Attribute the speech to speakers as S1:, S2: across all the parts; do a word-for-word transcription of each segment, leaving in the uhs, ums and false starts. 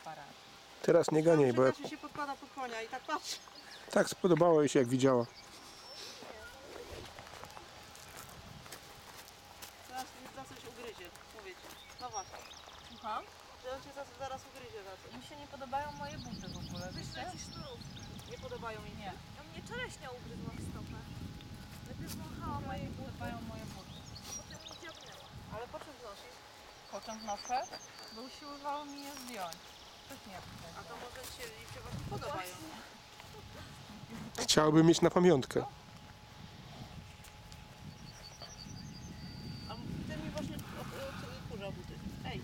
S1: aparat.
S2: Teraz nie ganiaj, bo jak...
S3: się podkłada pod konia i tak patrz.
S2: Tak spodobało jej się, jak widziała.
S3: Zaraz za coś ugryzie, mówię ci. No właśnie.
S1: Słucham?
S3: Że on cię zaraz, zaraz ugryzie za coś.
S1: Mi się nie podobają moje buty w ogóle, wiecie?
S3: Nie podobają mi się.
S1: Nie.
S4: A mnie czereśnia ugryzła w stopę. Najpierw wąchała moje buty,
S1: Podobają moje buty.
S4: a potem mi dziabnęła.
S3: Ale po czym wnosisz?
S1: Po czym noszę? Bo usiłowało mi je zdjąć. Coś nie
S3: A to może ci się, im się właśnie podobają.
S2: Chciałby mieć na pamiątkę.
S3: A ty mi właśnie kurza buty. Ej.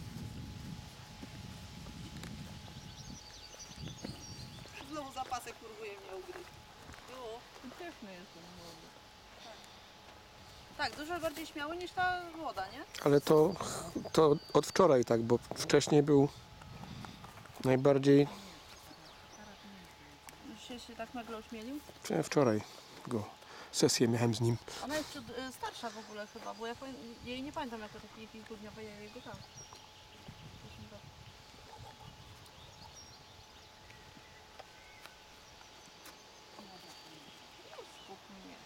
S3: Znowu zapasek kurwuje mnie ugryźć. Było.
S1: Piękny jest ten młody.
S3: Tak, dużo bardziej śmiały niż ta młoda, nie?
S2: Ale to, to od wczoraj tak, bo wcześniej był najbardziej...
S3: Już się, się tak nagle ośmielił.
S2: Wczoraj go sesję miałem z nim.
S3: Ona jest przed, y, starsza w ogóle chyba, bo ja powiem, jej nie pamiętam jako takiej kilkudniowej, ja jego tam.
S1: Skup mnie.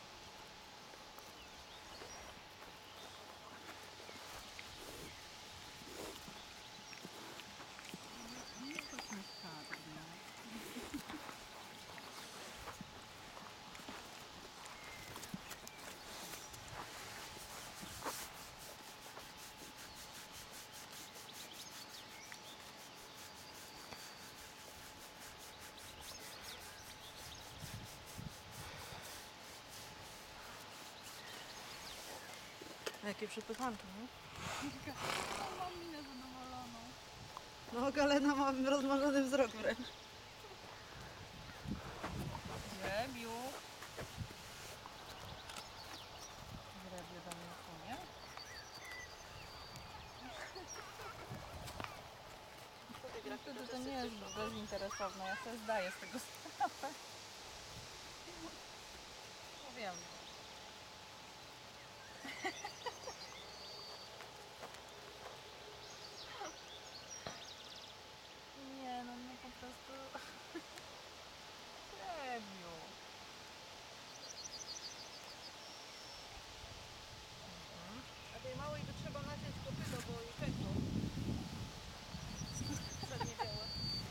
S3: Jakie przepychanki, nie?
S1: Mam minę zadowoloną.
S3: No Galena ma rozmarzony wzrok wręcz.
S1: Grebiu. Grebiu do mnie płynie. Wtedy to nie jest bezinteresowne, ja sobie zdaję z tego sprawę. No wiem. Nie, no mnie po prostu... Grebiu.
S3: A tej małej to trzeba naciąć kopyto, bo jej pękło. Przednie białe.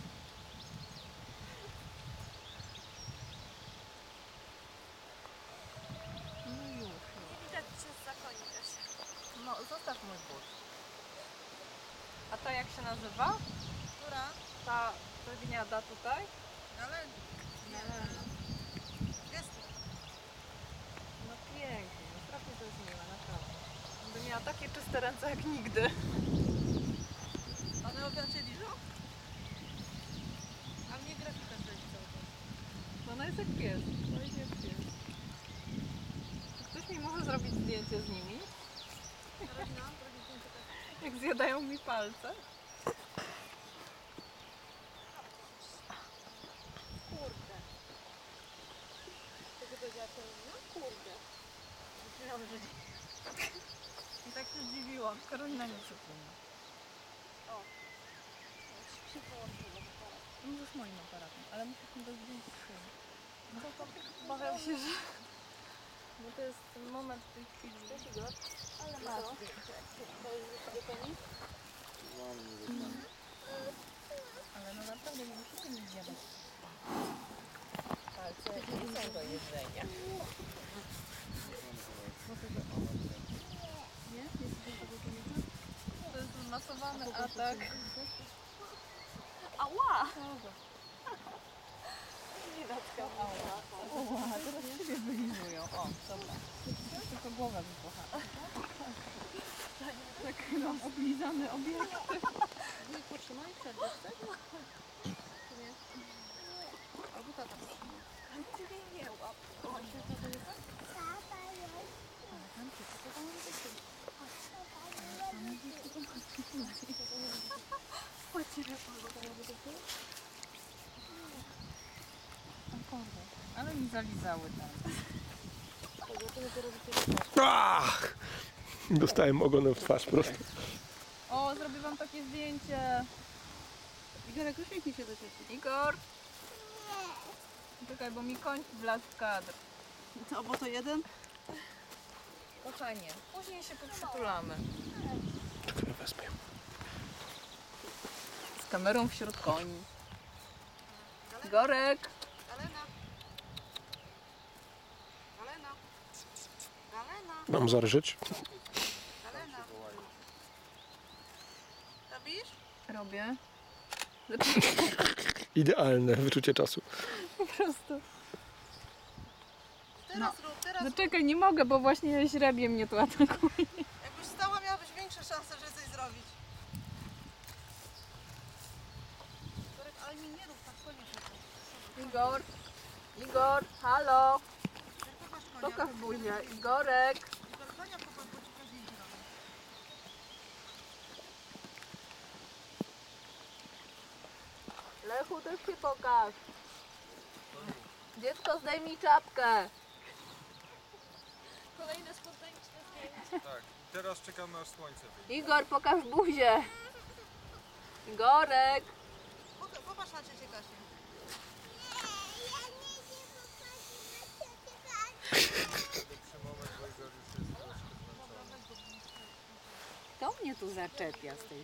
S1: No już, już.
S4: Nie widać cię z zakonika się.
S1: No, zostaw mój but. A ta jak się nazywa?
S3: Która?
S1: Ta gniada tutaj?
S3: Ale... Nie. Jest.
S1: No pięknie, no strasznie to jest miłe, naprawdę. By miała takie czyste ręce jak nigdy.
S3: One obracie liżą? A mnie grafika zleci cały czas.
S1: No ona jest jak pies, no jest jak pies. Ktoś mi może zrobić zdjęcie z nimi?
S3: Karolina, zrobię zdjęcie tak.
S1: Jak zjadają mi palce?
S3: Kurde. To się powiedziała Karolina? Kurde. Myślałam, że...
S1: I tak się zdziwiłam. Karolina nie przypomina.
S3: O. Się połączyło.
S1: No to z moim aparatem, ale muszę mi do zdjęć przyjąć. No to obawiam się, że... Bo to jest ten moment w tej chwili.
S3: Ale ma zdjęcie. To już wróci do Toni?
S1: Ale no naprawdę nie musicie mi zjadać. Palce nie są do jedzenia.
S3: Nie? Jest tego konika?
S1: To jest zmasowany atak.
S4: Ała!
S1: O, teraz ciebie wylizują. O, dobra. Tylko głowa wybucha. Tak mam oblizany obiekt.
S3: Wujek potrzymaj, przerwę chcesz? Czy nie? Albo tata potrzymaj.
S4: Ale ty jej nie łap.
S3: O, się tata nie tak?
S1: Ale mi zalizały tam.
S2: Ach! Dostałem ogonem w twarz prosto.
S1: O, zrobię wam takie zdjęcie.
S3: Igorek, uśmiechnij się do ciebie.
S1: Igor! Czekaj, bo mi koń wlazł w kadr.
S3: Co, bo to jeden?
S1: Kochanie, później się poprzytulamy.
S2: Czekaj, wezmę.
S1: Z kamerą wśród koni. Igorek!
S3: Galena. Galena. Galena.
S2: Mam zarżyć?
S3: Galena. Robisz?
S1: Robię.
S2: Idealne wyczucie czasu.
S1: Po prostu.
S3: Teraz rób, teraz
S1: No
S3: rób.
S1: czekaj, nie mogę, bo właśnie źrebie mnie tu atakuje.
S3: Jakbyś stała, miałabyś większe szanse, że coś zrobić. Igorek, ale mi nie rób tak, koniecznie.
S1: Igor! Igor, halo!
S3: Pokaż konia.
S1: Pokaż buzię. Igorek!
S3: Igor, konia pokaż, bo ci każdy idzie robi.
S1: Lechu, też się pokaż. Dziecko, zdejmij czapkę.
S4: Kolejne spontaniczne zdjęcie.
S5: Tak, teraz czekamy aż słońce wyjdzie.
S1: Igor, pokaż buzię. Igorek!
S3: Poka- Popatrz na ciocię Kasię.
S5: Lepszy moment, bo Igor już jest troszkę zmęczony.
S6: Kto mnie tu zaczepia z tej